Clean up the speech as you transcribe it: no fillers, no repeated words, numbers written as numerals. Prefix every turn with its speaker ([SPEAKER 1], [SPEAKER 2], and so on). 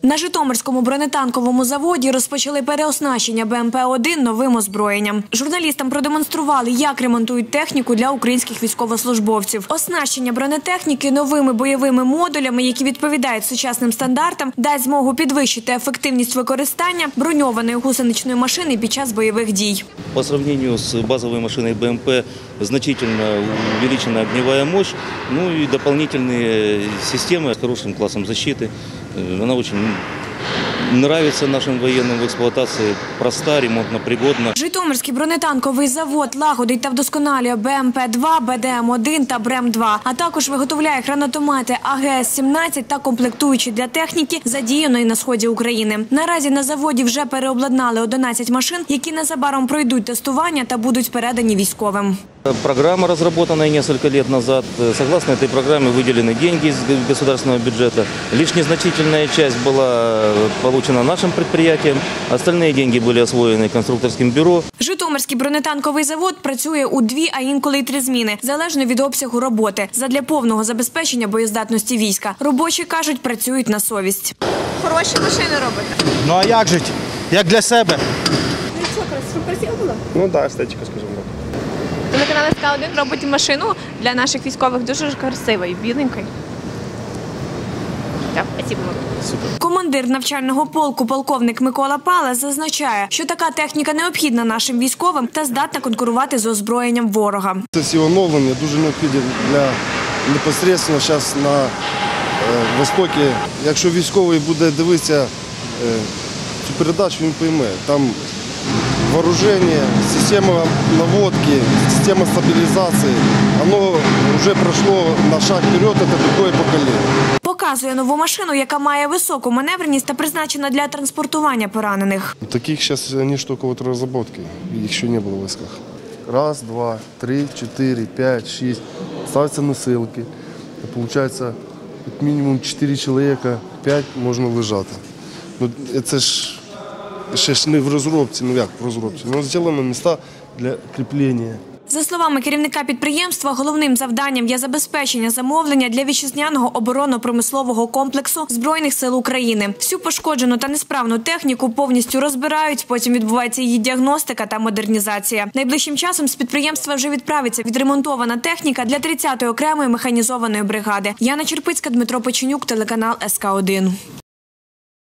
[SPEAKER 1] На Житомирському бронетанковому заводі розпочали переоснащення БМП-1 новим озброєнням. Журналістам продемонстрували, як ремонтують техніку для українських військовослужбовців. Оснащення бронетехніки новими бойовими модулями, які відповідають сучасним стандартам, дасть змогу підвищити ефективність використання броньованої гусеничної машини під час бойових дій.
[SPEAKER 2] По сравнению с базовой машиной БМП значительно увеличена огневая мощь, ну и дополнительные системы с хорошим классом защиты. Она очень нравится нашим военным в експлуатації, проста, ремонтно-пригодна.
[SPEAKER 1] Житомирський бронетанковий завод лагодить та вдосконалює БМП-2, БДМ-1 та БРЕМ-2, а також виготовляє гранатомети АГС-17 та комплектуючі для техніки, задіяної на сході України. Наразі на заводі вже переобладнали 11 машин, які незабаром пройдуть тестування та будуть передані військовим.
[SPEAKER 2] Программа, разработанная несколько лет назад. Согласно этой программе выделены деньги из государственного бюджета. Лишь незначительная часть была получена нашим предприятием. Остальные деньги были освоены конструкторским бюро.
[SPEAKER 1] Житомирський бронетанковий завод працює у 2, а інколи й 3 зміни, залежно від обсягу роботи. Задля повного забезпечення боєздатності війська. Робочі, кажуть, працюють на совість.
[SPEAKER 3] Хороші машини робите?
[SPEAKER 4] Ну а як жити? Як для себе?
[SPEAKER 3] Ну що, красиво було?
[SPEAKER 4] Ну так, естетика, скажімо так.
[SPEAKER 3] Телеканал СК1 робить машину для наших військових дуже красивою, біленькою. Так, спасибо.
[SPEAKER 4] Супер.
[SPEAKER 1] Командир навчального полку полковник Микола Палес зазначає, що така техніка необхідна нашим військовим та здатна конкурувати з озброєнням ворога.
[SPEAKER 5] Ці оновлення дуже необхідні для непосередньо зараз на Востокі. Якщо військовий буде дивитися цю передачу, він пойме. Там вооружение, система наводки, система стабилизации, оно вже пройшло на шаг вперед, це другое покоління.
[SPEAKER 1] Показує нову машину, яка має високу маневреність та призначена для транспортування поранених.
[SPEAKER 5] Таких зараз вони ж тільки в розробці, їх ще не було в військах. Раз, два, три, 4, 5, 6. Ставляться носилки. Получається, як мінімум 4 чоловіка, 5 можна лежати. Ну, це ж ще ж не в розробці, ну як в розробці, але зроблено місця для кріплення.
[SPEAKER 1] За словами керівника підприємства, головним завданням є забезпечення замовлення для вітчизняного оборонно-промислового комплексу Збройних сил України. Всю пошкоджену та несправну техніку повністю розбирають, потім відбувається її діагностика та модернізація. Найближчим часом з підприємства вже відправиться відремонтована техніка для 30-ї окремої механізованої бригади. Яна Черпицька, Дмитро Печенюк, телеканал СК1.